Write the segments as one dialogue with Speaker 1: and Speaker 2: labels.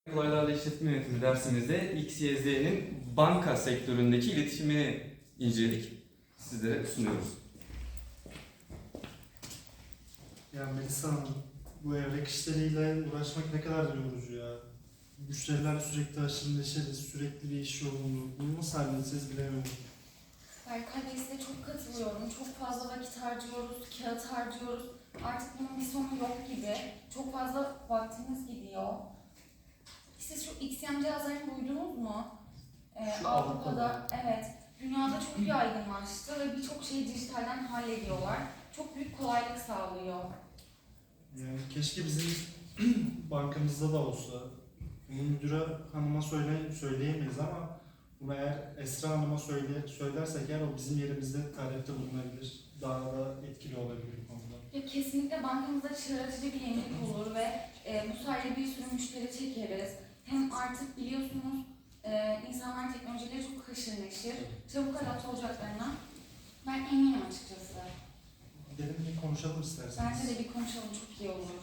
Speaker 1: Olaylarla işletme yönetimi dersimizde XYZ'nin banka sektöründeki iletişimini inceledik. Sizlere sunuyoruz.
Speaker 2: Ya Melisa Hanım, bu evrak işleriyle uğraşmak ne kadar yorucu ya. Müşteriler sürekli aşırı neşeli, sürekli bir iş yoğunluğu. Bunu nasıl halledeceğiz bilemiyorum.
Speaker 3: Berkay Bey, size çok katılıyorum. Çok fazla vakit harcıyoruz, kağıt harcıyoruz. Artık bunun bir sonu yok gibi. Çok fazla vaktimiz gidiyor. Siz şu XM cihazlarını duydunuz mu?
Speaker 2: Şu
Speaker 3: Avrupa'da, evet. Dünyada çok yaygınlaştı ve birçok şeyi dijitalden hallediyorlar. Çok büyük kolaylık sağlıyor.
Speaker 2: Yani keşke bizim bankamızda da olsa. Bunu müdüre hanıma söyleyemeyiz ama bunu eğer Esra Hanım'a söylersek eğer o bizim yerimizde talepte bulunabilir. Daha da etkili olabilir bu konuda.
Speaker 3: Ya kesinlikle bankamızda çığır açıcı bir yenilik olur ve bu sayede bir sürü müşteri çekeriz. Hem artık biliyorsunuz insanlar teknolojiyle çok haşır neşir, çabuk adapte olacaklarına ben eminim açıkçası.
Speaker 2: Gidelim bir konuşalım isterseniz.
Speaker 3: Bence de bir konuşalım, çok iyi olur.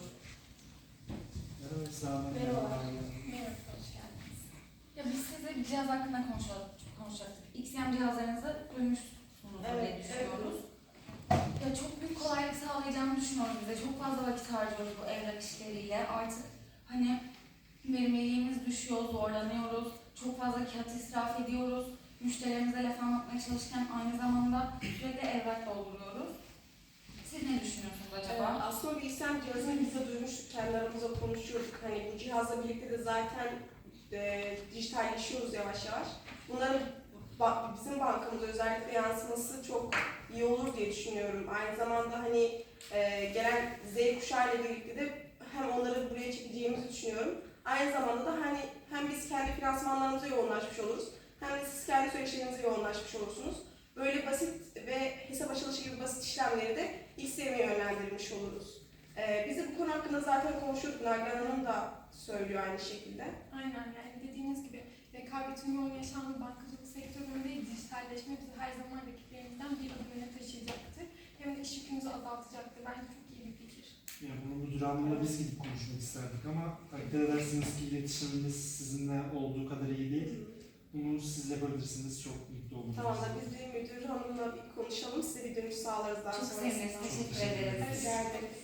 Speaker 2: Merhaba Esra Hanım.
Speaker 3: Merhaba, hoş geldiniz. Ya biz sizle bir cihaz hakkında konuşacaktık. XM cihazlarınızı duymuşsunuz diye düşünüyoruz. Ya çok büyük kolaylık sağlayacağını düşünüyoruz bize. Çok fazla vakit harcıyoruz bu evrak işleriyle. Artık hani verimliliğimiz düşüyor, zorlanıyoruz. Çok fazla kağıt israf ediyoruz. Müşterilerimize laf anlatmaya çalışırken aynı zamanda sürekli evrak dolduruyoruz. Siz ne düşünüyorsunuz acaba?
Speaker 4: Aslında bilgisayar cihazını biz de duymuştuk, kendi aramızda konuşuyorduk. Hani bu cihazla birlikte de zaten dijitalleşiyoruz yavaş yavaş. Bunların bizim bankamıza özellikle yansıması çok iyi olur diye düşünüyorum. Aynı zamanda hani gelen Z kuşağı ile birlikte de hem onları buraya çekeceğimizi düşünüyorum. Aynı zamanda da hani hem biz kendi finansmanlarımıza yoğunlaşmış oluruz, hem de siz kendi süreçlerinize yoğunlaşmış olursunuz. Böyle basit ve hesap açılışı gibi basit işlemleri de XM'ye yönlendirilmiş oluruz. Biz de bu konu hakkında zaten konuşuyorduk. Nagihan Hanım da söylüyor aynı şekilde.
Speaker 5: Aynen, yani dediğiniz gibi rekabetin yoğun yaşandığı bankacılık sektöründe dijitalleşme bizi her zaman rakiplerimizden bir adım öne taşıyacaktır. Hem de iş yükümüzü azaltacaktır. Bence çok iyi bir fikir.
Speaker 2: Yani bunu müdür hanımla biz gidip konuşmak isterdik ama takdir edersiniz ki iletişimimiz sizinle olduğu kadar iyi değil. Bunu siz yapabilirsiniz, çok mutlu oluruz.
Speaker 4: Tamam da biz de müdür hanımla bir konuşalım. Size bir dönüş sağlarız daha
Speaker 3: Çok
Speaker 4: sonrasında.
Speaker 3: seviniriz, teşekkür ederiz.
Speaker 4: Rica ederim.